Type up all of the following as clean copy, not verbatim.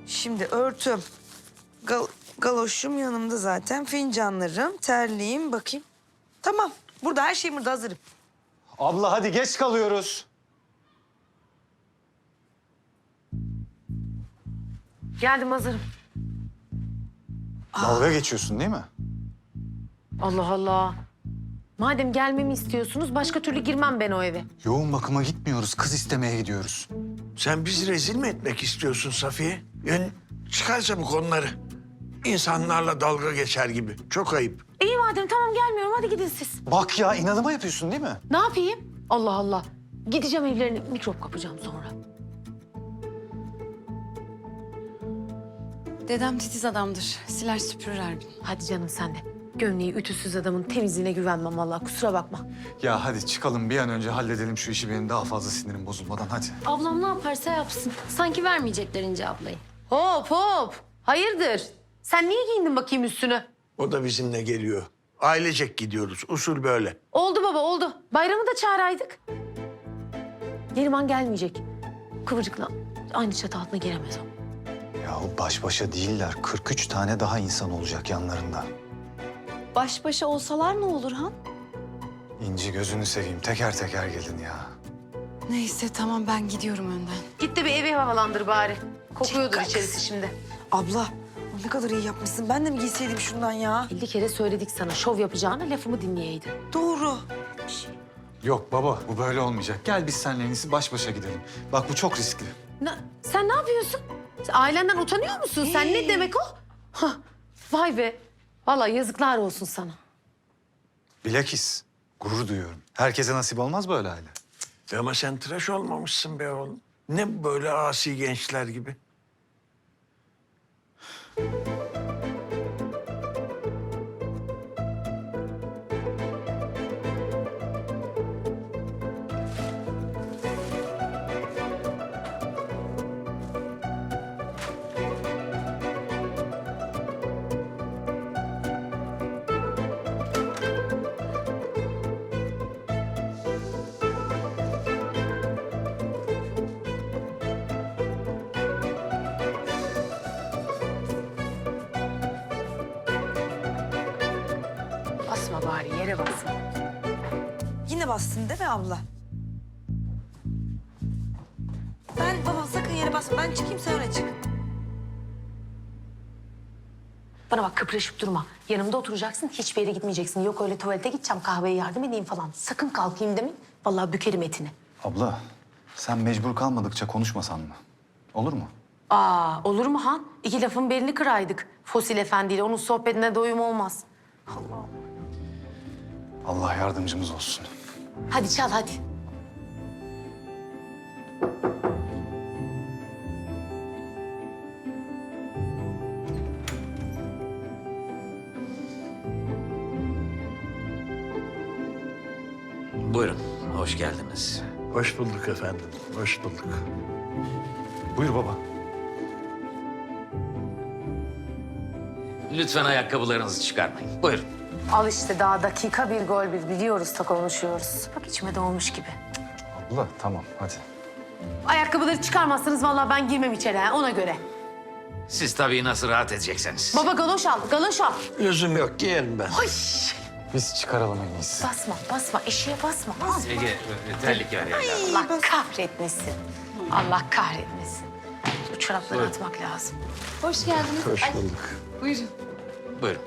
Şimdi örtüm, galoşum yanımda zaten, fincanlarım, terliğim, bakayım. Tamam, burada her şeyim burada, hazırım. Abla hadi geç kalıyoruz. Geldim, hazırım. Dalga geçiyorsun değil mi? Allah Allah. Madem gelmemi istiyorsunuz başka türlü girmem ben o eve. Yoğun bakıma gitmiyoruz, kız istemeye gidiyoruz. Sen bizi rezil mi etmek istiyorsun Safiye? Yani çıkarsa bu konuları. İnsanlarla dalga geçer gibi. Çok ayıp. İyi madem, tamam gelmiyorum, hadi gidin siz. Bak ya, inadıma yapıyorsun değil mi? Ne yapayım? Allah Allah. Gideceğim evlerine, mikrop kapacağım sonra. Dedem titiz adamdır. Siler süpürür her gün. Hadi canım sen de. Gömleği ütüsüz adamın temizliğine güvenmem vallahi, kusura bakma. Ya hadi çıkalım, bir an önce halledelim şu işi, benim daha fazla sinirim bozulmadan, hadi. Ablam ne yaparsa yapsın. Sanki vermeyecekler İnce ablayı. Hop hop. Hayırdır? Sen niye giyindin bakayım üstünü? O da bizimle geliyor. Ailecek gidiyoruz. Usul böyle. Oldu baba, oldu. Bayramı da çağıraydık. Neriman gelmeyecek. Kıvırcıkla aynı çatı altına giremez o. Yahu baş başa değiller, 43 tane daha insan olacak yanlarında. Baş başa olsalar ne olur Han? İnci gözünü seveyim, teker teker gelin ya. Neyse tamam ben gidiyorum önden. Git de bir evi havalandır bari. Kokuyordur içerisi şimdi. Abla, ne kadar iyi yapmışsın. Ben de mi giyseydim şundan ya? 50 kere söyledik sana şov yapacağına, lafımı dinleyeydin. Doğru. Yok baba, bu böyle olmayacak. Gel biz seninle en iyisi baş başa gidelim. Bak bu çok riskli. Sen ne yapıyorsun? Sen ailenden utanıyor musun? Sen ne demek o? Hah, vay be. Vallahi yazıklar olsun sana. Bilakis gurur duyuyorum. Herkese nasip olmaz böyle aile. Ama sen tıraş olmamışsın be oğlum. Ne böyle asi gençler gibi. Basma bari, yere basma. Yine bastın değil mi abla? Baba sakın yere basma. Ben çıkayım, sen öne çık. Bana bak, kıpırışıp durma. Yanımda oturacaksın, hiçbir yere gitmeyeceksin. Yok öyle tuvalete gideceğim, kahveye yardım edeyim falan. Sakın kalkayım demin. Vallahi bükerim etini. Abla, sen mecbur kalmadıkça konuşmasan mı? Olur mu? Aa, olur mu Han? İki lafın belini kıraydık. Fosil efendiyle, onun sohbetine doyum olmaz. Allah yardımcımız olsun. Hadi çal, hadi. Buyurun, hoş geldiniz. Hoş bulduk efendim. Hoş bulduk. Buyur baba. Lütfen ayakkabılarınızı çıkarmayın. Buyurun. Al işte, daha dakika bir gol bir, biliyoruz da konuşuyoruz. Bak içime doğmuş gibi. Abla tamam hadi. Ayakkabıları çıkarmazsanız vallahi ben girmem içeri ha, ona göre. Siz tabii nasıl rahat edecekseniz. Baba galoş al, galoş al. Lüzum yok, giyerim ben. Ay, Biz çıkaralım en iyisi. basma, basma. Eşeğe basma. Basma. Ege, terlik ver evladım. Allah kahretmesin. Allah kahretmesin. Bu çorapları atmak lazım. Hoş geldiniz. Hoş bulduk. Buyurun. Buyurun.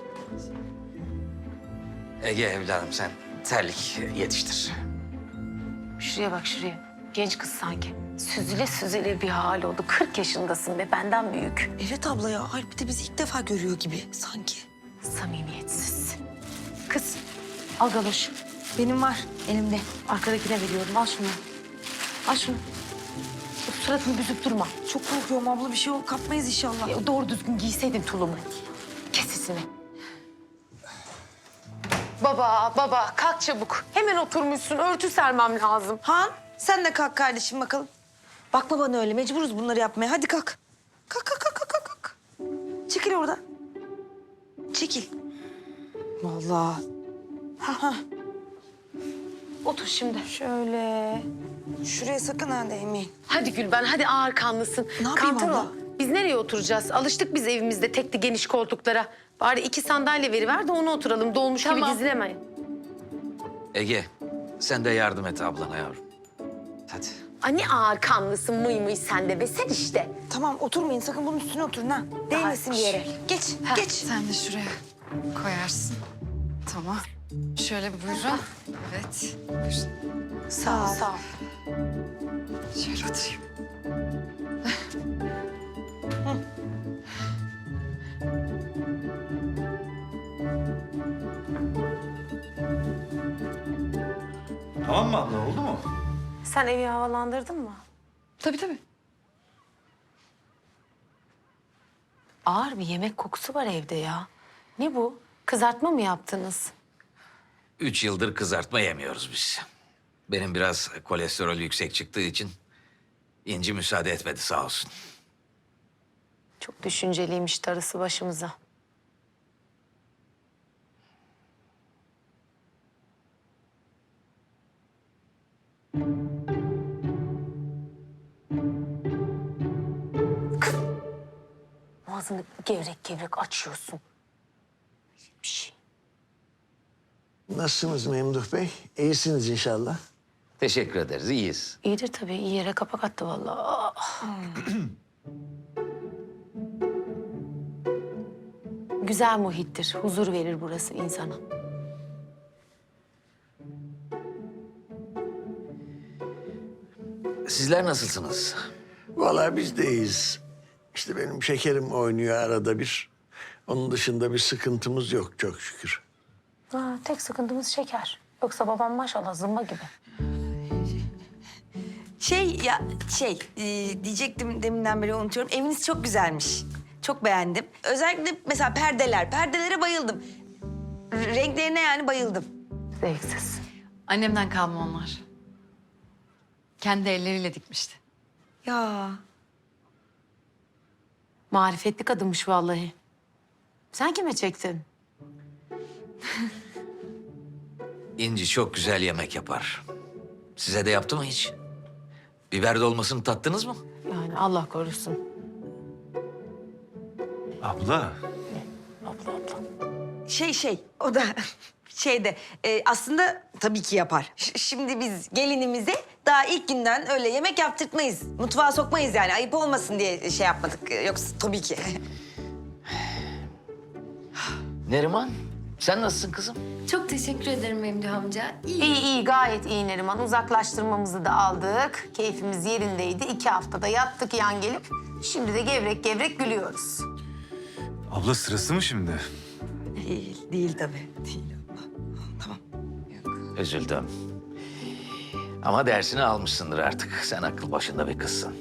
Ege evladım sen terlik yetiştir. Şuraya bak, şuraya. Genç kız sanki. Süzüle süzüle bir hal oldu. 40 yaşındasın ve benden büyük. Evet abla ya. Alp de bizi ilk defa görüyor gibi sanki. Samimiyetsiz. Kız, al galoş. Benim var elimde. Arkadakine veriyorum. Al şunu. Al şunu. Suratını büzüp durma. Çok korkuyorum abla. Bir şey kapmayız inşallah. Ya doğru düzgün giyseydin tulumu. Kes sesini. Baba, kalk çabuk. Hemen oturmuşsun. Örtü sermem lazım. Han, sen de kalk kardeşim bakalım. Bakma bana öyle. Mecburuz bunları yapmaya. Hadi kalk. Kalk. Çekil orada. Çekil. Vallahi. Ha. Otur şimdi. Şöyle. Şuraya sakın ha değmeyin. Hadi Gülben, hadi ağır kanlısın. Ne yapayım Kantar abla? o. Biz nereye oturacağız? Alıştık biz evimizde tekli geniş koltuklara. Bari 2 sandalye veriver de ona oturalım. Dolmuş gibi dizilemeyin. Ege, sen de yardım et ablana yavrum. Hadi. Anne ağır kanlısın mıy sen de be sen işte. Tamam oturmayın sakın bunun üstüne oturun ha. Değmesin bir yere. Geç geç. Sen de şuraya koyarsın. Tamam. Şöyle buyurun. Evet. Buyurun. Sağ ol. Sağ ol. Şöyle oturayım. Tamam mı abla oldu mu? Sen evi havalandırdın mı? Tabii tabii. Ağır bir yemek kokusu var evde ya. Ne bu? Kızartma mı yaptınız? 3 yıldır kızartma yemiyoruz biz. Benim biraz kolesterol yüksek çıktığı için İnci müsaade etmedi sağ olsun. Çok düşünceliymiş darısı başımıza. Ağzını gevrek gevrek açıyorsun. Bir şey. Nasılsınız Memduh Bey? İyisiniz inşallah. Teşekkür ederiz, iyiyiz. İyidir tabii. İyi yere kapak attı vallahi. Ah. Güzel muhittir. Huzur verir burası insana. Sizler nasılsınız? Vallahi biz de iyiyiz. İşte benim şekerim oynuyor arada bir. Onun dışında bir sıkıntımız yok çok şükür. Ha, tek sıkıntımız şeker. Yoksa babam maşallah zımba gibi. Diyecektim deminden beri unutuyorum. Eviniz çok güzelmiş. Çok beğendim. Özellikle mesela perdeler. Perdelere bayıldım. Renklerine yani bayıldım. Zevksiz. Annemden kalma onlar. Kendi elleriyle dikmişti. Ya Marifetli kadınmış vallahi. Sen kime çektin? İnci çok güzel yemek yapar. Size de yaptı mı hiç? Biber dolmasını tattınız mı? Yani Allah korusun. Abla. Abla. o da aslında tabii ki yapar. Şimdi biz gelinimize daha ilk günden öyle yemek yaptırtmayız. Mutfağa sokmayız yani ayıp olmasın diye şey yapmadık. Yoksa tabii ki. Neriman, sen nasılsın kızım? Çok teşekkür ederim Memduh amca. İyi gayet iyi Neriman. Uzaklaştırmamızı da aldık. Keyfimiz yerindeydi. 2 haftada yattık yan gelip. Şimdi de gevrek gevrek gülüyoruz. Abla sırası mı şimdi? Değil tabii. Değil. Üzüldüm. Ama dersini almışsındır artık. Sen akıl başında bir kızsın.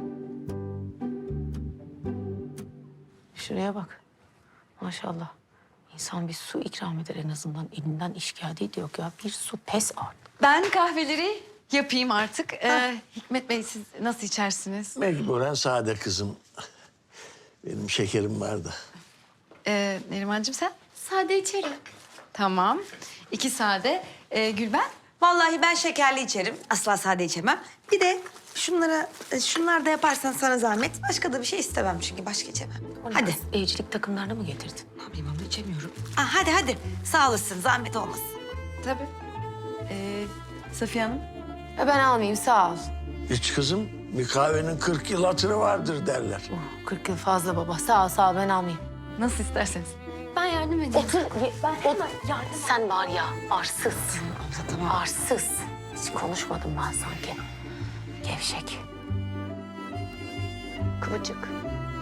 Şuraya bak. Maşallah. İnsan bir su ikram eder en azından. Elinden iş geldiği yok ya. Bir su pes artık. Ben kahveleri yapayım artık. Hikmet Bey siz nasıl içersiniz? Mecburen sade kızım. Benim şekerim vardı. Nerimancığım sen? Sade içerim. Tamam. 2 sade. Gülben? Vallahi ben şekerli içerim. Asla sade içemem. Bir de şunlar da yaparsan sana zahmet. Başka da bir şey istemem çünkü başka içemem. Hadi. Evcilik takımlarını mı getirdin? Ne yapayım abla içemiyorum. Hadi. Sağ olasın zahmet olmasın. Tabii. Safiye Hanım? Ben almayayım sağ ol. Hiç kızım bir kahvenin 40 yıl hatırı vardır derler. 40 yıl fazla baba. Sağ ol ben almayayım. Nasıl isterseniz. Ben yardım edeyim. Sen var ya arsız. Abla tamam. Arsız. Hiç konuşmadım ben sanki. Gevşek. Kıvırcık.